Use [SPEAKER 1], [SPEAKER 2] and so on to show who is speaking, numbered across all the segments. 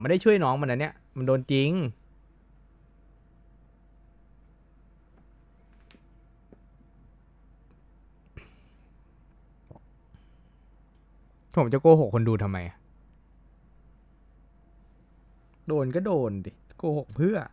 [SPEAKER 1] ไม่ได้ช่วยน้องมันนะเนี่ยมันโดนจริงผมจะโกหกคนดูทำไมอะโดนก็โดนดิโกหกเพื่อ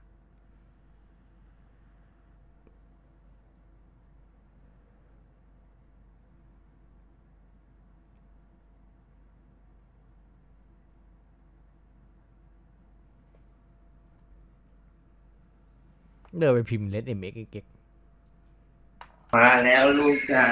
[SPEAKER 1] เดินไปพิมพ์เลสเอ็มเอ็กเก๊ก
[SPEAKER 2] มาแล้วลูกจ๋า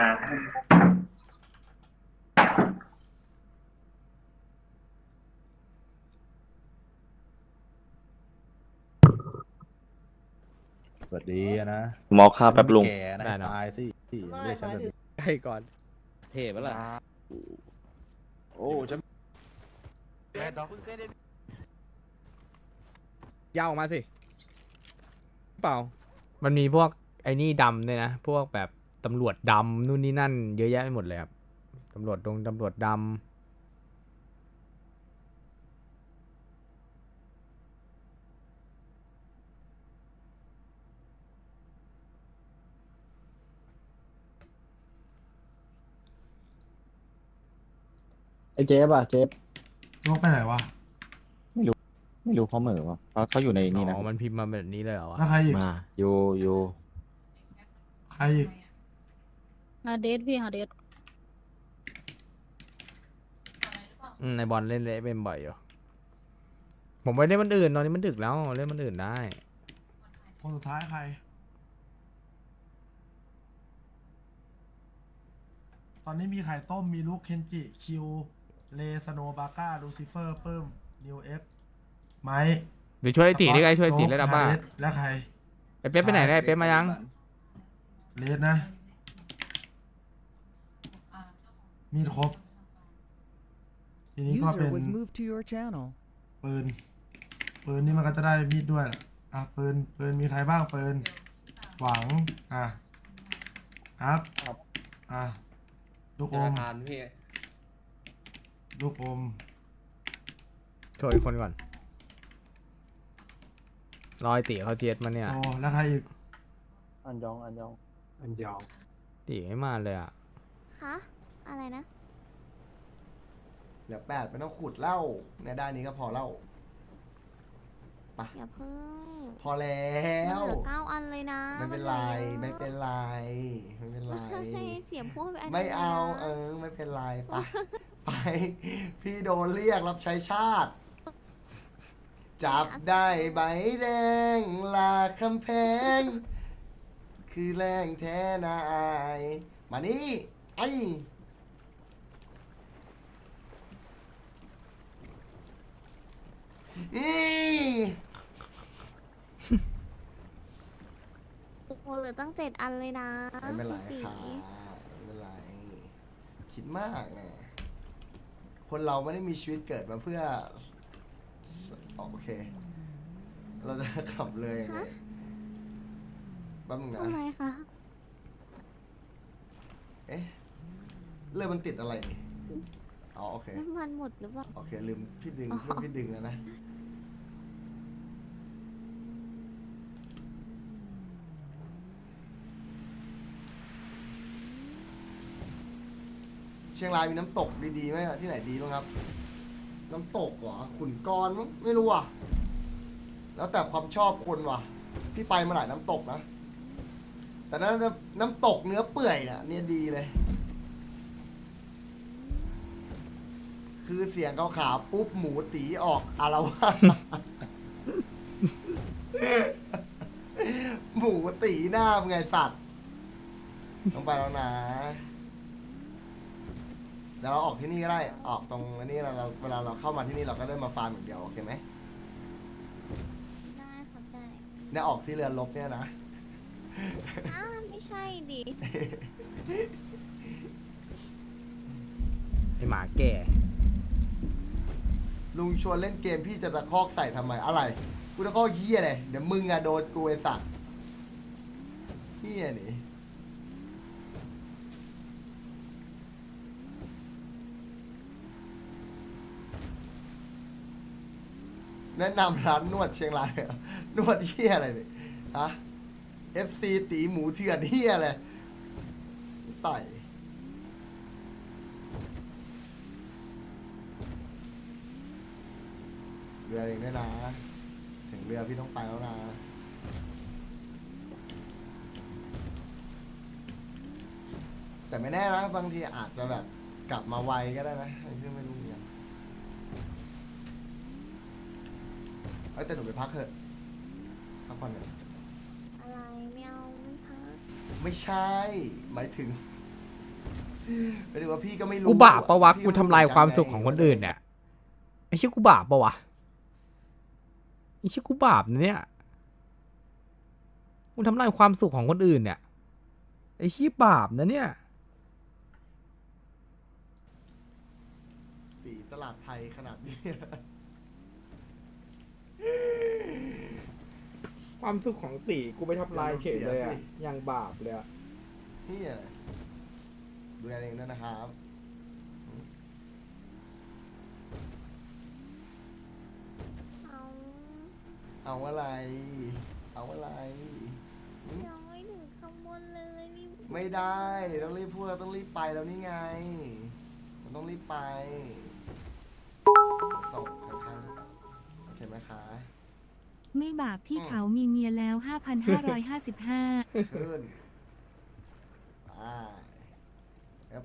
[SPEAKER 3] สวัสดีนะ
[SPEAKER 2] หมอข้าวแป๊บลุง
[SPEAKER 3] แก่นะให้ตายสิเรียกฉันแบบนี้
[SPEAKER 1] ใช่ก่อนเทปะล่ะ
[SPEAKER 3] โอ้ฉัน
[SPEAKER 1] ยาวออกมาสิเปล่ามันมีพวกไอ้นี่ดำด้วยนะพวกแบบตำรวจดำนู่นนี่นั่นเยอะแยะไปหมดเลยครับตำรวจดำ
[SPEAKER 4] ไอ้เจ๊ป่ะเจ๊บ
[SPEAKER 5] ยกไปไหนวะ
[SPEAKER 2] ไม่รู้เขาเหม่อวะเขาอยู่ใน
[SPEAKER 1] อ๋
[SPEAKER 2] นี่นะ
[SPEAKER 1] อมันพิมพ์มาแบบนี้เลยเหรอวะ
[SPEAKER 5] แล้วใครอีก
[SPEAKER 2] มาอยู่
[SPEAKER 5] ใครอีก
[SPEAKER 6] ฮาเดสพี่ฮาเดส
[SPEAKER 1] ในบอลเล่นเละเป็นบ่อยอยู่ผมไปเล่นมันอื่นตอนนี้มันดึกแล้วเล่นมันอื่นได้
[SPEAKER 5] คนสุดท้ายใคร ตอนนี้มีไข่ต้ม มีลูกเคนจิ คิว เลสโนบาก้า ลูซิเฟอร์ เพิ่ม นิวเอ็กไมค์
[SPEAKER 1] เดี๋ยวช่วยไอ้ตีได้ไงช่วยไอ้ตี
[SPEAKER 5] โจ๊ก
[SPEAKER 1] เล่นดับบ้า
[SPEAKER 5] ฮเดสและใคร
[SPEAKER 1] ไอ้เป๊ปไปไหนได้ไอ้เป๊ปมายัง
[SPEAKER 5] เลสนะ มีดครบ ทีนี้ก็เป็น
[SPEAKER 7] User was moved to your channel.
[SPEAKER 5] ปืน ปืนนี่มันก็จะได้มีดด้วยแหละอ่ะปืนมีใครบ้างปืน หวัง อ่ะอัพอ่ะ ลูกอม ลูกอม
[SPEAKER 1] ช่วยอีกคนก่อนรอยตีเขาเจ็ดมาเนี่ย
[SPEAKER 5] โอ้แล้วใครอีก
[SPEAKER 4] อันยอง
[SPEAKER 1] ตีไม่มาเลยอ่ะ
[SPEAKER 8] คะอะไรนะ
[SPEAKER 9] เหลือ8ไม่ต้องขุดเหล้าในด้านนี้ก็พอเหล้า
[SPEAKER 8] อย่าเพิ่ง
[SPEAKER 9] พอแล้
[SPEAKER 8] มัน
[SPEAKER 9] ว
[SPEAKER 8] เหลือ9 อันเลยนะ
[SPEAKER 9] ไม่เป็นไร
[SPEAKER 8] น
[SPEAKER 9] ไม่เป็นไรไม่เป็นไร
[SPEAKER 8] ให้เสียงพูดไปอัน
[SPEAKER 9] ไม่
[SPEAKER 8] นี้นะ
[SPEAKER 9] เอาไม่เป็นไรไปไป พี่โดนเรียกรับใช้ชาติ จับได้ใบแดงลาคำแพง คือแรงแท้นายมานี่ไอ้อี
[SPEAKER 8] โอ้โหเหลือตั้ง7 อันเลยนะ
[SPEAKER 9] ไม่เป็นไร
[SPEAKER 8] พี่
[SPEAKER 9] ค่ะไม่เป็นไร คิดมากนะคนเราไม่ได้มีชีวิตเกิดมาเพื่อโอเค เราจะขับเลยยังไงแป๊บนึงนะ
[SPEAKER 8] ทำไมคะ
[SPEAKER 9] เอ๊ะเรื่องมันติดอะไรนี่อ๋อโอเค
[SPEAKER 8] น้ำมันหมดหรือเปล่า
[SPEAKER 9] โอเค ลืมพี่ดึง
[SPEAKER 8] อ๋อ
[SPEAKER 9] เพื่อนพี่ดึงแล้วนะ เชียงรายมีน้ำตกดีๆไหมอะที่ไหนดีบ้างครับ น้ำตกเหรอขุนกรมั้งไม่รู้อ่ะ แล้วแต่ความชอบคนว่ะ พี่ไปมาหลายน้ำตกนะ แต่นั้นน้ำตกเนื้อเปื่อยน่ะเนี่ยดีเลย คือเสียงขาวๆปุ๊บหมูตีออกอารวาส หมูตีหน้ามึงไงสัตว์ต้องไปแล้วนะเดี๋ยวเราออกที่นี่ก็ได้ ออกตรงอันนี้เราเวลาเราเข้ามาที่นี่เราก็ได้มาฟาร์มอย่างเดียวโอเคไหม
[SPEAKER 8] ได้ครับได้
[SPEAKER 9] เนี่ยออกที่เรือรบเนี่ยนะ
[SPEAKER 8] อ้าวไม่ใช่ดิ
[SPEAKER 1] ไอหมาแก่
[SPEAKER 9] ลุงชวนเล่นเกมพี่จะตะคอกใส่ทำไมอะไรกูตะคอกเฮียเลยเดี๋ยวมึงอะโดนกูไอสัตว์เฮียนี่แนะนำร้านนวดเชียงรายเหรอนวดเฮียอะไรเนี่ยฮะ FC ตีหมูเถื่อนเฮียอะไรต่อยเรือเองด้วยนะ ถึงเรือพี่ต้องไปแล้วนะ แต่ไม่แน่นะบางทีอาจจะแบบกลับมาไวก็ได้นะพี่ไม่รู้เหมือนกันแต่หนูไปพักเถอะพักผ่อนหน่อย
[SPEAKER 8] อะไรไม่เอาไม่พัก
[SPEAKER 9] ไม่ใช่ หมายถึงหมายถึงว่าพี่ก็ไม่รู้
[SPEAKER 1] กูบาปปะวะ
[SPEAKER 9] พี่
[SPEAKER 1] กูทำลายความสุขของคนอื่นเนี่ยไอ้เชี่ยกูบาปปะวะไอ้เชี่ยกูบาปนะเนี่ยกูทำลายความสุขของคนอื่นเนี่ยไอ้เชี่ยบาปนะเนี่ย
[SPEAKER 9] ตีตลาดไทยขนาดนี้
[SPEAKER 1] ความสุขของตีกูไปทำลายเฉยเลยอะยังบาปเลยอะ
[SPEAKER 9] นี่อะไรดูแลเองด้วยนะครับ
[SPEAKER 8] เอา
[SPEAKER 9] เอาอะไร เอาอะไร
[SPEAKER 8] ยังไม่ถึงข้างบนเลยรีบ
[SPEAKER 9] ไม่ได้ ต้องรีบพูดเราต้องรีบไปแล้วนี่ไงมันต้องรีบไปส่งข้างๆโอเคไหมคะ
[SPEAKER 7] ไม่บาปที่เขามีเมียแล้ว 5,555
[SPEAKER 9] ขึ้นไปครับ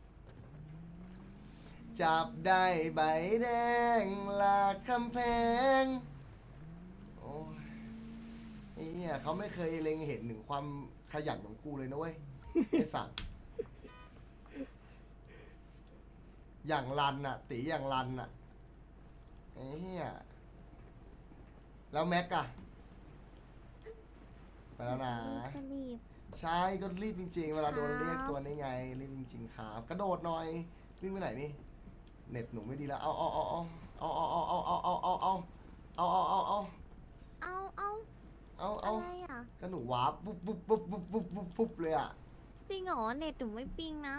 [SPEAKER 9] จับได้ใบแดงลากคำแพงโอ้ยไอ้เนี่ยเขาไม่เคยเล็งเห็นถึงความขยันของกูเลยนะเว้ย ไอ้สัตว์อย่างรันน่ะ ตีอย่างรันน่ะไอ้เหี้ยแล้วแม็กอะไปแล้วนะ
[SPEAKER 8] ก็รีบ
[SPEAKER 9] ใช่ก็รีบจริงๆ เวลาโดน
[SPEAKER 8] ครับ
[SPEAKER 9] เรียกตัวนี้ไง รีบจริงๆครับกระโดดหน่อย วิ่งไปไหนนี่ เน็ตหนูไม่ดีแล้ว เอา
[SPEAKER 8] อะไรอ่ะ
[SPEAKER 9] ก็หนูวาร์ปปุ๊บเลยอ่ะ
[SPEAKER 8] จริงเหรอเน็ตหนูไม่ปิงนะ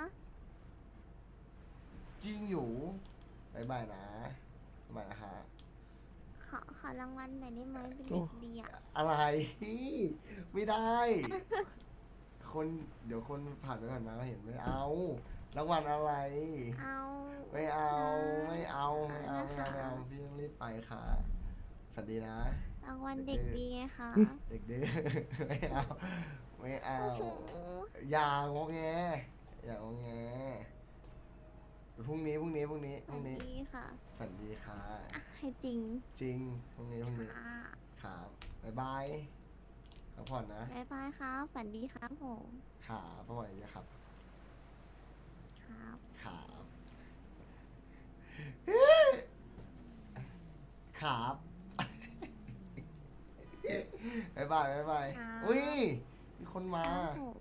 [SPEAKER 9] จริงอยู่บายบายนะบ๊ายบายนะคะ
[SPEAKER 8] ขอรางวัลหน่อยได้ไหมเป็นเด็กดีอ่ะ
[SPEAKER 9] อะไร ไม่ได้ คนเดี๋ยวคนผ่านไปผ่านมาก็เห็นไม่เอารางวัลอะไร
[SPEAKER 8] เอา
[SPEAKER 9] ไม่เอา
[SPEAKER 8] นะ
[SPEAKER 9] ไม่เอาพี่ต้องรีบไปค่ะสวัสดีนะ
[SPEAKER 8] รางวัลเด็กดีไงคะ
[SPEAKER 9] เด็กดื้อ ไม่เอา ไม่เอา
[SPEAKER 8] โอ้โห
[SPEAKER 9] อย่างงแงอย่างงแงพรุ่งนี้
[SPEAKER 8] สวัสดีค่ะ
[SPEAKER 9] ฝันดีค่ะ
[SPEAKER 8] อ่ะให้จริง
[SPEAKER 9] จริงพรุ่งนี้
[SPEAKER 8] ค่ะ
[SPEAKER 9] ครับบ๊ายบายพักผ่อนนะ
[SPEAKER 8] บ๊ายบายครับฝันดีครับผม
[SPEAKER 9] ขาพักผ่อนเยอะครับ
[SPEAKER 8] ครับ
[SPEAKER 9] ครับครับ บ๊ายบายอุ้ยมีคนมา
[SPEAKER 8] ครับผม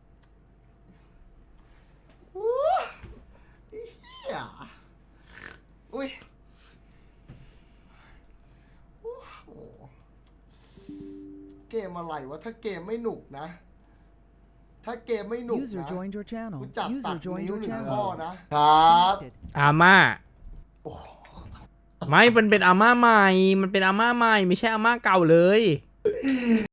[SPEAKER 9] อู้เฮียอุ้ยโอ้โหเกมอะไรวะ ถ้าเกมไม่หนุกนะ ถ้าเกมไม่หนุก
[SPEAKER 10] User
[SPEAKER 9] นะ
[SPEAKER 10] joined your channel.
[SPEAKER 9] กูจับตัด
[SPEAKER 10] User joined
[SPEAKER 9] นิ้ว
[SPEAKER 10] your
[SPEAKER 9] หนึ่ง
[SPEAKER 10] channel.
[SPEAKER 9] ข้อนะ ครับ
[SPEAKER 1] อาม่า
[SPEAKER 9] โอ้โห
[SPEAKER 1] ไม่มันเป็นอาม่าใหม่ มันเป็นอาม่าใหม่ ไม่ใช่อาม่าเก่าเลย